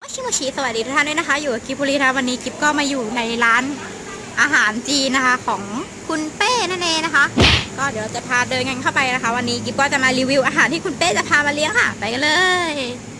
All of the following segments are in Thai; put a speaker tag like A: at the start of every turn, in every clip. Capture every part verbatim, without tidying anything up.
A: ชิโมชิสวัสดีทุกท่านด้วยนะคะอยู่กับกิบบุรีนะวันนี้กิบก็มาอยู่ในร้านอาหารจีนนะคะของคุณเป้นั่นเองนะคะก็เดี๋ยวเราจะพาเดินกันเข้าไปนะคะ วันนี้กิบก็จะมารีวิวอาหารที่คุณเป้จะพามาเลี้ยงค่ะไปกันเลย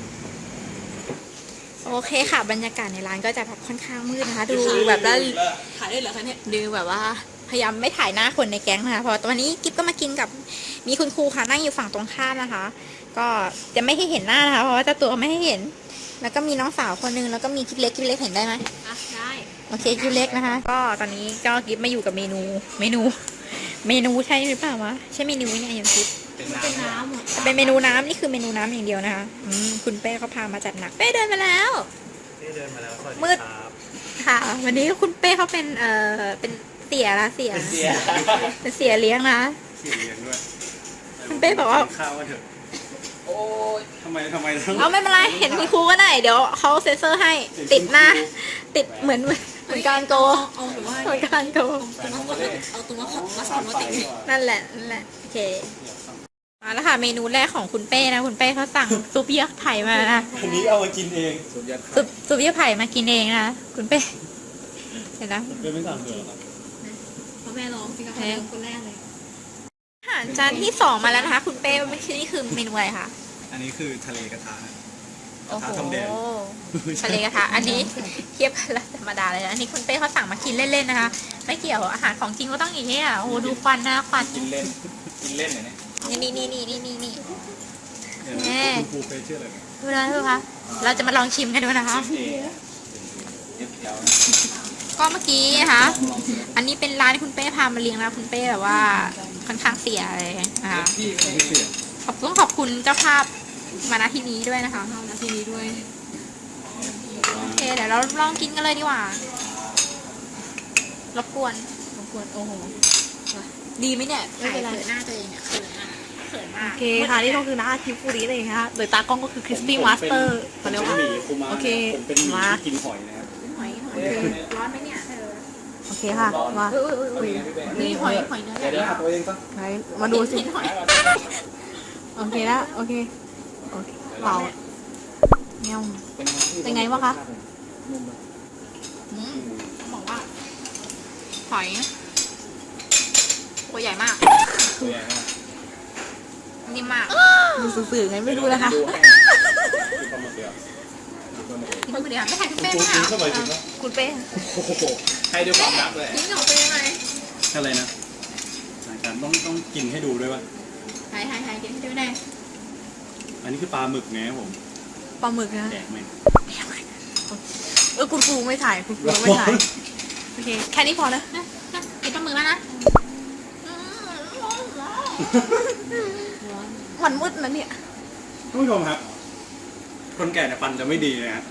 A: โอเคค่ะบรรยากาศในร้านก็จะแบบค่อนข้างมืดนะคะดูแบบว่าถ่ายได้เหรอคะเนี่ยดูแบบว่าพยายามไม่ถ่ายหน้าคนในแก๊งนะคะเพราะวันนี้กิบก็มากินกับมีคุณครูค่ะนั่งอยู่ฝั่งตรงข้ามนะคะ ก็จะไม่ให้เห็นหน้านะคะเพราะว่าเจ้าตัวไม่ให้เห็นแล้วก็มีน้องสาวคนนึงแล้วก็มีกิฟเล็กกิฟเล็กเห็นได้ไหมอ่ะได้โอเคกิฟเล็กนะคะก็ตอนนี้ก็กิฟมาอยู่กับเมนูเมนู เมนูใช่หรือเปล่าวะใช่เมนูนี่ไงยังกิฟเป็นน้ำเป็นเมนูน้ำนี่คือเมนูน้ำอย่างเดียวนะคะอืมคุณเป้เขาพามาจัดหนักเป้เดินมาแล้ว
B: เป้เดินมาแล้ว
A: มืดค่ะวันนี้คุณเป้เขาเป็นเอ่อเป็นเสียละเสียเป็นเสียเลี้ยงนะ
B: เสียเลี้ยงด้วย
A: คุณเป้บอกว่า
B: ข้าวว่าเถอะโอ้ยทำไมทำไมต้อง
A: เอาไม่เป็นไรเห็นคุณครูก็ได้เดี๋ยวเขาเซ็นเซอร์ให้ติดหน้าติดเหมือนเหมือนการโกเอาหรือว่าเหมือนการโกเอาตัวมาสอนว่าติดนั่นแหละนั่นแหละโอเคมาแล้วค่ะเมนูแรกของคุณเป้นะคุณเป้เขาสั่งซุปเยื่อไผ่มานะ
B: อันนี้เอามากินเองซุปเยื่อ
A: ซุปซุปเยื่อไผ่มากินเองนะคุณเป้เห็นนะ
B: เป้ไม่สั่งเลยหรอครับ
A: เพราะแม่ลองสิคะคนแรกเลยอาหารจานที่สองมาแล้วนะคะคุณเป้ไม่ใช่นี่คือเมนูอะไรคะ
B: อันนี้คือทะเลกระทะ
A: กระทะทองแดงทะเลกระทะอันนี้เทียบกันละธรรมดาเลยนะอันนี้คุณเป้เขาสั่งมากินเล่นๆนะคะไม่เกี่ยวอาหารของจริงก็ต้องอย่างนี้อ่ะโอ้ดูควันนะควัน
B: กินเล่นกินเล่นเนี่ย
A: นี่นี่นี่นี่นี่นี่
B: แม่คุณครูเป้ชื่ออะไร
A: ดูนะดูค่ะเราจะมาลองชิมกันดูนะคะก็เมื่อกี้นะคะอันนี้เป็นร้านที่คุณเป้พามาเลี้ยงนะคุณเป้แบบว่าค่อนข้างเสียเลยนะคะขอบคุณขอบคุณเจ้าภาพมาณที่นี้ด้วยนะคะมาณที่นี้ด้วยโอเคเดี๋ยวเราลองกินกันเลยดีกว่ารบกวนรบกวนโอ้โหดีไหมเนี่ยไม่เป็นไรหน้าตัวเองเนี่ยเขินมากเขินมาก
C: โอเคค่ะนี่ก็คือหน้าทิฟฟูริเลยนะคะโดยตากล้องก็คือคริสตี้มาสเตอร์เขาเรียกว่าโอเค
B: มากินหอยนะครับ
A: หอยหอยร้อนไหมเนี่ยเธอ
C: โอเคค่ะมา
A: นี่หอยหอยเนื้อ
B: เดี๋ยวตัวเองก็
C: มาดูสิโอเคแล้วโอเคโอเคเปล่าเงี้ยเป็นไงวะคะ
A: บอกว่าหอยตัวใหญ่มาก
B: ตัวใหญ่มาก
A: นิ่มมาก
C: ดูสื่อๆไงไม่รู้นะคะ
A: คุณเดียวไม่ถ่ายคุณเป้ไหมคะ
C: คุณเป้
B: ให้ด้วยความรักเลย
A: กินของเป้ไหม
B: อะไรนะอาจารย์ต้องต้องกินให้ดูด้วยป่ะ
A: ถ่ายถ่ายถ่ายกินให้ดูได้
B: อันนี้คือปลาหมึกไงผม
C: ปลาหมึกนะ
B: แดกไหม
C: เออคุณครูไม่ถ่ายคุณครูไม่ถ่ายโอเคแค่นี้พอแล้ว
A: กินปลาหมึกแล้วนะ
C: มันมืดนะเนี่ย
B: ท่านผู้ชมครับคนแก่เนี่ยฟันจะไม่ดีนะฮะ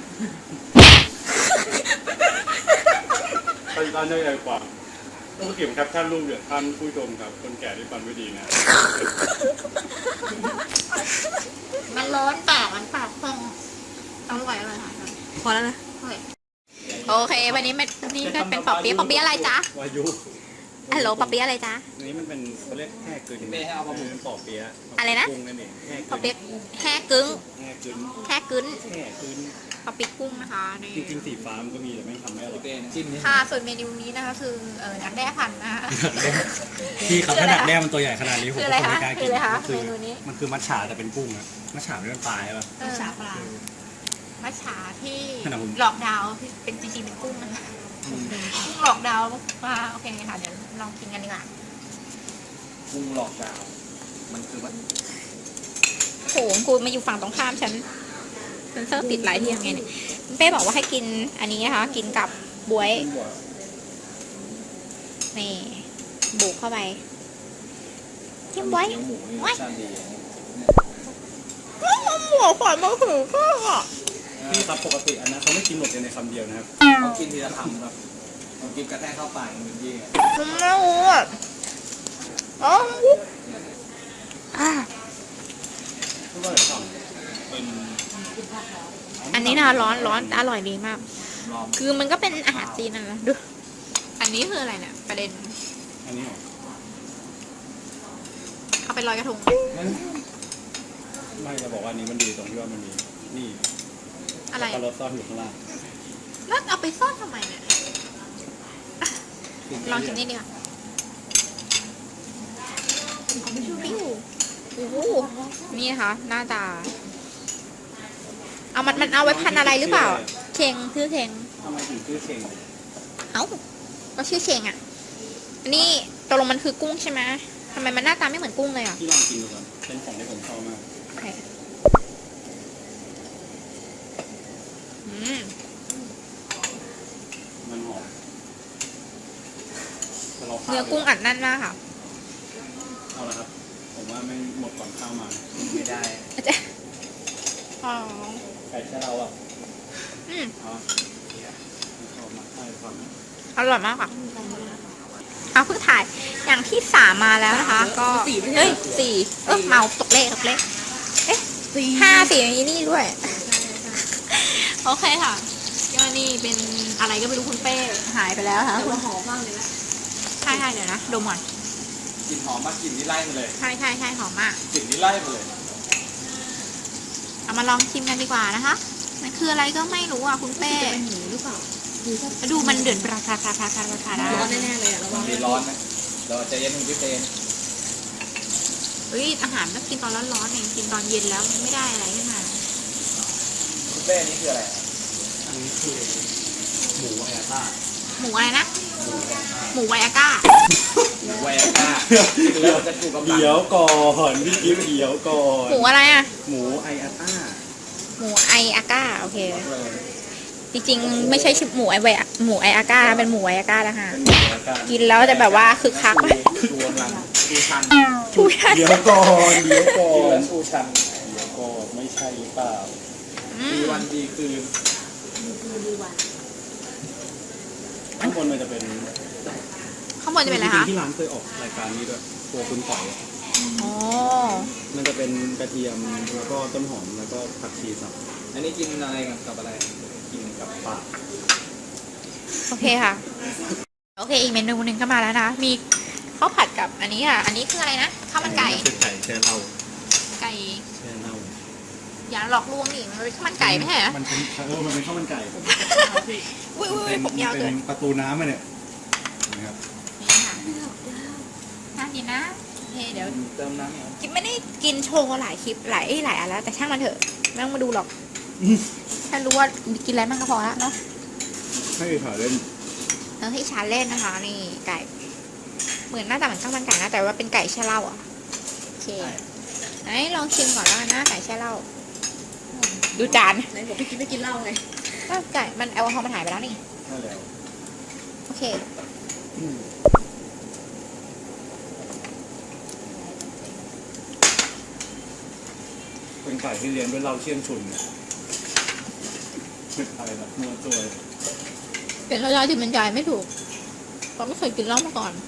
B: ตอนตอนจะใหญ่กว่าต้องเขียนแคปชั่นรูปเดี๋ยวท่านผู้ชมครับคนแก่ที่ฟันไม่ดีนะ
A: มันร้อนปากมันปากพองอร่อยอร่อยค่ะ
C: พอแล้วนะ
A: โอเควันนี้มันนี่ก็เป็นปอเปี๊ยะปอเปี๊ยะอะไรจ๊ะ
B: วายุ
A: ฮัลโหลปอเปี๊ยะอะไรจ๊ะ
B: นี่มันเป็นเขาเรียกแห่กึ่งไม่ให้เอาปลาหมึกปอเปี๊ยะ
A: อะไรนะปอเปี๊ยะแห่กึ่ง
B: แห่กึ่ง
A: แห่กึ่ง
B: แห่กึ่ง
A: ปอเปี๊ยะกุ้งนะคะนี่
B: จริงๆสีฟ้ามันก็มีแต่ไม่ทำให้อร่อย
A: จิ้มค่ะส่วนเมนูนี้นะคะคือเออดักแด้พันนะคะ
B: ที่เขาถ้าดักแด้มันตัวใหญ่ขนาดนี้ผมก็ไม่กล้ากิน
A: เมนูนี้
B: มันคือมัทฉะแต่เป็นกุ้งอะมัทฉะไม่เป็นปลาใช่ป่ะ
A: มัทฉะปลามัทฉะที่หลอกดาวที่เป็นจริงๆเป็นกุ้งนะคะกุ้งหลอกดาวว่าโอเคค่ะเดี๋ยวลองกินกันดีกว่า
B: กุ้งหลอกดาวมันคือมัน
A: โหกูมาอยู่ฝั่งตรงข้ามฉันเซนเซอร์ติดหลายที่ยังไงเนี่ยเป้บอกว่าให้กินอันนี้นะคะกินกับบวยนี่บุกเข้าไปกินบวยว้ายหมูฝอยมะขือก็
B: พี่ครับปกติอันนั้นเขาไม่กินหมดในคำเดียวนะครับเขากินทีละคำครับเขากินกระแทกเข้าปากเหมือนยี่
A: ไม่รู้อ่ะอ๋ออันนี้นะร้อนร้อนอร่อยดีมากคือมันก็เป็นอาหารจีนนั่นแหละดูอันนี้คืออะไรเนี่ยประเด็น
B: อันนี้
A: เอาไปลอยกระทง
B: ไม่จะบอกว่านี้มันดีตรงที่ว่ามันมีนี่
A: ออะไร
B: แล้ว
A: อะ
B: ก็รสซ่อนอยู่ข้างล่าง
A: แล้วเอาไปซ่อนทำไมเนี่ยลองชิมนี่ดีกว่าปิ้วโอ้โหนี่นะคะหน้าตา เอามันมันเอาไว้พันอะไรหรือเปล่าเชงชื่อเชง
B: ทำไมถึงชื่อเชง
A: เอ้าก็ชื่อเชงอ่ะอันนี้ตกลงมันคือกุ้งใช่ไหมทำไมมันหน้าตาไม่เหมือนกุ้งเลยอ่ะ
B: พี่ลองกินดูก่อนเป็นของที่ผมชอบมาก
A: โอเคอืม
B: มันหอมแต่ราขาด
A: เนื้อกุ้งอัดแน่นมากค่ะ
B: เอาละครับ ผมว่าไม่หมดก่อนข้าวมา
C: ไม่ได้
A: อาจารย์อ๋อ
B: ไก่แค่เราอ่ะ
A: อืม
B: เอาชอบมากใช่ความ
A: อร่อยมากค่ะเอาเพิ่งถ่ายอย่างที่สามมาแล้วนะคะ ก็เฮ้ยสี่เออเมาตกเลขตกเลขเอ๊ะห้าสี่ในนี่ด้วย โอเคค่ะก็นี่เป็นอะไรก็ไม่รู้คุณเป้หายไปแล้วค่ะ
D: แต่ว่าหอมมากเลยนะ
A: ใช่ใช่เดี๋ยวนะดมก่อน
C: กลิ่นหอมมากกลิ่นที่ไล่มาเลย
A: ใช่ใช่ใช่หอมมาก
C: กลิ่นที่ไล่มาเลย
A: เอามาลองชิมกันดีกว่านะคะมันคืออะไรก็ไม่รู้อ่ะคุณเป้
D: จะเป็นหมูหรือเปล่าหรือถ้า
A: ดูมันเดือดราคาราคาราคาราคาได้
D: ร้อนแน่ๆเลยอะระวัง
C: มีร้อนนะเราใจะเย็นคุณพี่เฟน
A: เฮ้ยอาหารต้องกินตอนร้อนๆเองกินตอนเย็นแล้วไม่ได้อะไรขึ้นมา
C: คุณเป้นี่คืออะไรอะ
B: อันนี้คือหมูแอต้า
A: หมูอะไรนะหมูไวอาก้า
C: หมูไวอาก้าแล้วจะถูกกำลัง
B: เดี๋ยวก่อนพี่กิ๊ฟเดี๋ยวก่อน
A: หมูอะไรอ่ะ
B: หมูไออาต้า
A: หมูไออาก้าโอเค จริงๆไม่ใช่ชื่อหมูไอไวอะหมูไออาก้าเป็นหมูไวอาก้าแล้วค่ะ
B: เป็นหมูไออาต้า
A: กินแล้วจะแบบว่าคึกคักไหม
C: ชูกำลังชูชัน
A: ชูชัน
B: เดี๋ยวก่อนเดี๋ยวก่อ
C: กินแล้
B: น
C: วชูชัน
B: เดี๋ยวก่อนไม่ใช่หรือเปล่า
A: อื
C: ดี
A: ม
C: วันดีคืน
D: ดีวัน
B: ข้างบนมันจะเป็น
A: ข้างบนจะเป็นอะไร
B: จริ
A: คะ
B: งๆที่ร้านเคยออกรายการนี้ด้วยตัวคุณต่อยอะ
A: อ๋อ
B: มันจะเป็นกระเทียมแล้วก็ต้นหอมแล้วก็ผักชีสับ
C: อันนี้กินอะไรกับอะไร
B: กินกับปลา
A: โอเคค่ะ โอเคอีกเมนูหนึ่งก็มาแล้วนะมีข้าวผัดกับอันนี้ค่ะ อันนี้คืออะไรนะข้าวมันไก่
B: คือไก่แช่เหล้า
A: ไก่
B: แช่เหล้า
A: อย่าหลอกลวงดิมันเป็นข้าวมันไก่ไม่ใช่เหรอ
B: มันเป็นเออมันเป็นข้าวมันไก่
A: อุ้ยอุ้ย
B: เป็น
A: ผมยาว
B: เป็
A: เกิน
B: นประตูน้ำอะเนี่ยนะครับ
A: นี่ค่ะน่ากินนะโอเคเดี๋ยว
C: เติมน้ำเหรอ
A: กิ๊บไม่ได้กินโชว์หลายคลิปหลายหลายอันแล้วแต่ช่างมันเถอะไม่ต้องมาดูหรอกแค่รู้ว่ากินอะไรบ้างก็พอแล้วเนาะ
B: ให้ถ่ายเล่น
A: เออให้ชาเล่นนะคะนี่ไก่เหมือนหน้าตาเหมือนข้าวมันไก่นะแต่ว่าเป็นไก่แช่เหล้าอ่ะโอเคไหนลองชิมก่อนแล้วกันนะไก่แช่เหล้าดูจาน
D: ไหนบอกพี่กิ๊ฟไม่กินเหล้าไง
A: อ้าวไก่มันแอลกอฮอล์มันหายไปแล้วนี่
B: นั่นแหละ
A: โอเค
B: เป็นไก่ที่เลี้ยงด้วยเหล้าเชี่ยงชุนเนี่ยอะไรนะมัวตัว
A: เป็นรสชาติที่บรรยายไม่ถูกเพราะไม่เคยกินเหล้ามาก่อน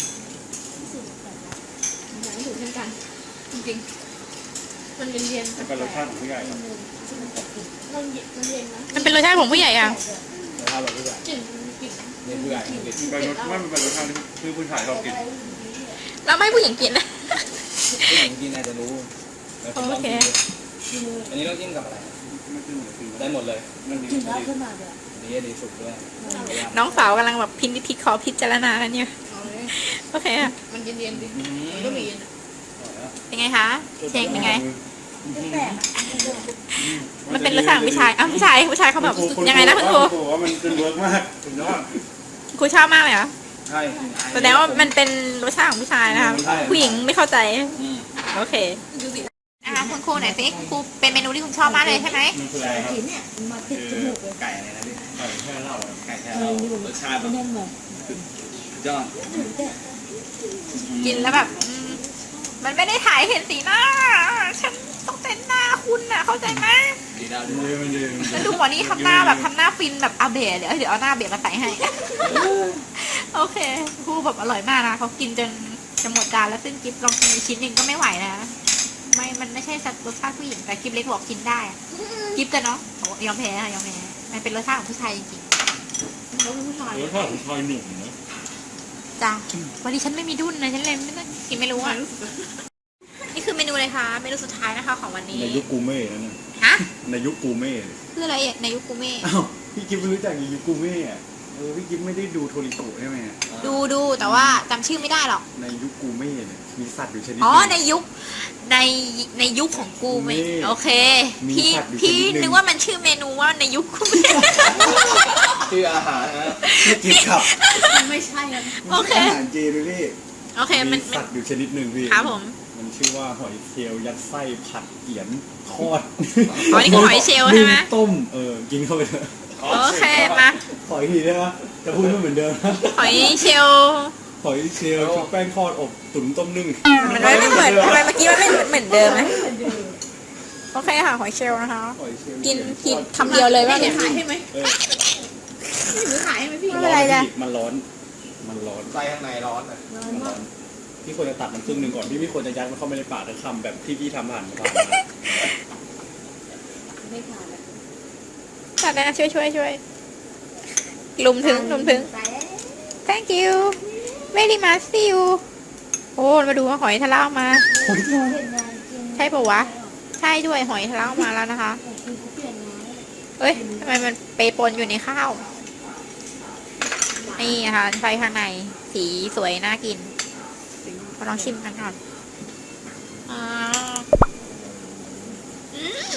D: อยากให้ถูกเช่นกัน จริงๆมันเย็นเย็น
B: มันเป็นรสชาติของผู้ใหญ่ครับ
D: มันเย็นมันเย็นนะ
A: มันเป็นรสชาติของผู้ใหญ่อะ
B: รสชาติแบบผู้ใหญ่
D: กลิ่นกลิ่น
C: นี่เพื่อนนี่
B: เป็นรสไม่เป็นรสชาติที่ผู้ชายชอบกิน
A: แล้วไม่ให้ผู้หญิงกินนะ
C: ผู้หญิงกินอาจจะรู้แล้วผมลองกินดู
D: คือ
C: อันนี้เราจิ้มกับอะไร
B: ไม่ขึ้นเลยคือ
C: ได้หมดเลย
B: มันดี
D: กลิ่น
B: มั
D: เหล้าน
B: ดี
D: ขึ้นมาเลยอะ
C: อันนี้ดีสุดด้วย
A: น้องสาวกำลังแบบพินิจพิเคราะห์พิจารณากันอยู่
D: เอาเลย
A: โอเคอะ
D: มันเย็นเย็นๆดิ
C: อืม
D: มันก็มีเย็นอะ
A: เป็นไงคะเชงเป็นไง
D: แปลกอะ
A: มันเป็นรสชาติของผู้ชายอ้าวผู้ชายผู้ชายเขาแบบ
B: ณ
A: ยังไงนะคุณครู
B: ณว่ามันเป็นเวิร์กมากสุดยอด
A: ครูชอบมากเลยเหรอ
C: ใช่
A: แสดงว่ามันเป็นรสชาติของผู้ชายนะคะ
C: ใช่
A: ผู้หญิงไม่เข้าใจ
C: อืม
A: โอเค
D: ดูสิ
A: นะคะคุณครูไหนอยสิครูเป็นเมนูที่คุณชอบมากเลยใช่ไหม
B: มันคืออะไรครับ
D: กลิ่นเนี่ยมันมาติดจมูกเลย
C: ไก่อะไรนะพี่
B: ไก่แช่เหล้าอะ
C: ไก่แค่
D: เอ
C: เรา
D: ออยู่
C: รสชาติแบ
D: ไม่
C: บ
D: แน่นเลย
C: ยอด
A: กินแล้วแบบอืมมันไม่ได้ถ่ายเห็นสีหน้า ฉันต้องเป็นหน้าคุณน่ะเข้าใจไหม
C: ดีดาว
B: มัน
C: ดี
B: ดีมันดีมันดี
A: แล้วดูหมอนี่ทำหน้าแบบทำหน้าฟินแบบอาเบะเดี๋ยวเดี๋ยวเอาหน้าเบะมาใส่ให้ โอเคครูแบบอร่อยมากนะเขากินจนจะหมดจานแล้วซึ่งกิฟลองกินอีกชิ้นหนึ่งก็ไม่ไหวนะไม่มันไม่ใช่รสชาติผู้หญิงแต่กิฟเล็กบอกกินได้อะกิฟจะเนาะบอกยอมแพ้ค่ะยอมแพ้มันเป็นรสชาติของผู้ชายจริง
D: เขาเป็นผู้ชาย
B: รสชาติของชายหนุ่มนะ
A: ๆจ้าวันนี้ฉันไม่มีดุ้นนะฉันเลยไม่ต้องกินไม่รู้อ่ะนี่คือเมนูนูเลยค่ะเมนูสุดท้ายนะคะของวันนี้
B: ในยุคกูเม่นั่นนะ
A: ฮะ
B: ในยุคกูเม่
A: คืออะไรในยุคกูเม่
B: อ้าวพี่กิฟไม่รู้จักในยุคกูเม่อะเออพี่กิฟไม่ได้ดูโทริโกะใช่ไหม
A: ดูดูแต่ว่าจำชื่อไม่ได้หรอก
B: ในยุคกูเม่เนี่ยมีสัตว์อยู่ชนิด
A: อ๋อ
B: หนึ่ง
A: ในยุคในในยุคของกูเม่
B: นี่
A: โอเค
B: มี
A: พี่
B: สัตว์อยู่
A: พี่
B: ชนิดหนึ่ง
A: นึกว่ามันชื่อเมนูว่าในยุคกูเม่
E: ชื่ออาหารนะ
B: พี่กิฟครับ
D: มันไม่ใช่แล้ว
A: โอเค
B: อาหารจีนเลยพี่
A: โอเคมัน
B: มี
A: มัน
B: สัตว์อยู่ชนิดหนึ่งพี่
A: ครับผม
B: มันชื่อว่าหอยเชลล์ยัดไส้ผัดเกี๊ยนทอด
A: อ๋อนี่คือหอยเชลล์ใช่ไหม
B: นึ่งต้มเออกินเข้าไปเถอะ
A: โอเคมา
B: ขออีกทีได้ไหมจะพูดไม่เหมือนเดิมนะ
A: หอยเชลล์
B: หอยเชลล์ชุบแป้งทอดอบตุ๋นต้มนึ่ง
A: มันไม่เหมือนทำไมเมื่อกี้มันไม่เหมือนเดิมไหมโอเคค่ะหอยเชลล์นะคะ
B: หอยเชลล์
A: กินกินคำเดียวเลยว่า
D: ให้
A: เนี่ย
D: ขายให้ไหม
B: เออ
D: ให้หนูขายให้ไหมพี่
A: ไม่เป็นไรจ้ะ
B: มันร้อนมันร้อน
E: ไส้ข้างในร้อนอ่ะ
D: ร้อน
B: มันร้
D: มา
B: อก นพี่ควรจะตัดมันครึ่งหนึ่งก่อนพี่ไม่ควรจะยัดมันเข้าไปในปากแล้วคำแบบที่พี่ทำผ่านมาผ่านมา
D: ไม่ขายแล้ว
A: ตัดนะช่วยช่วยช่วยลุมถึงลุมถึง thank you very much see you โอ้มาดูว่าหอยทะเลาะมา ใช่ปะวะ ใช่ด้วยหอยทะเลาะมาแล้วนะคะเอ้ยทำไมมันเปปนอยู่ในข้าว นี่นะคะไฟข้างในสีสวยน่ากินมาลองชิมกันก่อนอ่าอืม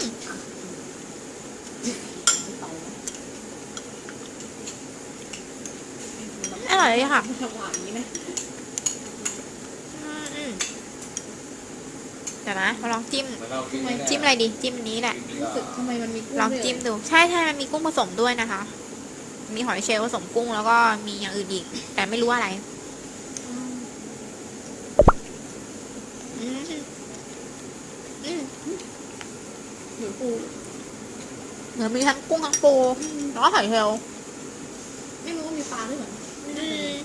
A: อร่อยเลยค่ะ
D: หวานนี้นะ
A: อืมอืมเดี๋ยวนะมาลองจิ้ม
E: เหมือนเรากิน
A: จิ้มอะไรดี จิ้มอันนี้แหละ
D: รู้สึกทำไมมันมีกุ้
A: ลองจิ้มดู ใช่ใช่มันมีกุ้งผสมด้วยนะคะ มีหอยเชลล์ผสมกุ้งแล้วก็มีอย่างอื่นอีก แต่ไม่รู้อะไร อืมอืม
D: หนูปู
A: เหมือนมีทั้งกุ้งทั้งปูแล้วก็หอยเชลล์
D: ไม่รู้ว่ามีปลาด้วยเหรอ
A: อืม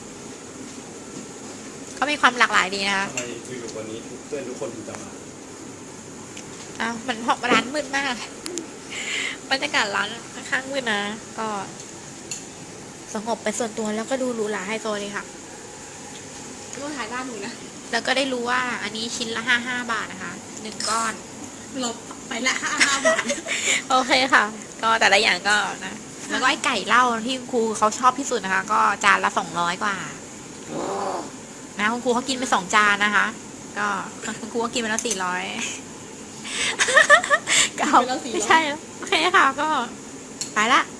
A: เขามีความหลากหลายดีนะคะ
B: ทำไมอยู่ๆวันนี้เพื่อนทุกคนถึงจะมา
A: อ้าวมันเพราะร้านมืดมาก บรรยากาศร้านค่อนข้างมืดนะ ก็สงบไปส่วนตัวแล้วก็ดูหรูหราไฮโซเลยค่ะ
D: ก็ถ่ายด้านหนูนะ
A: แล้วก็ได้รู้ว่าอันนี้ชิ้นละห้าห้าบาทนะคะหนึ่งก้อน
D: เราไปละห้าห้าบาท
A: โอเคค่ะ ก็แต่ละอย่างก็นะ แล้วก็ไอ้ไก่เหล้าที่คุณครูเขาชอบที่สุดนะคะ ก็จานละสองร้อยกว่านะคุณครูเขากินไปสองจานนะคะ ก็คุณครูก็กินไปแล้วสี่ร้อยก็
D: กินไปแล้วสี่ร้อย
A: ไม่ใช่แล้วโอเคค่ะ ก็ไปละ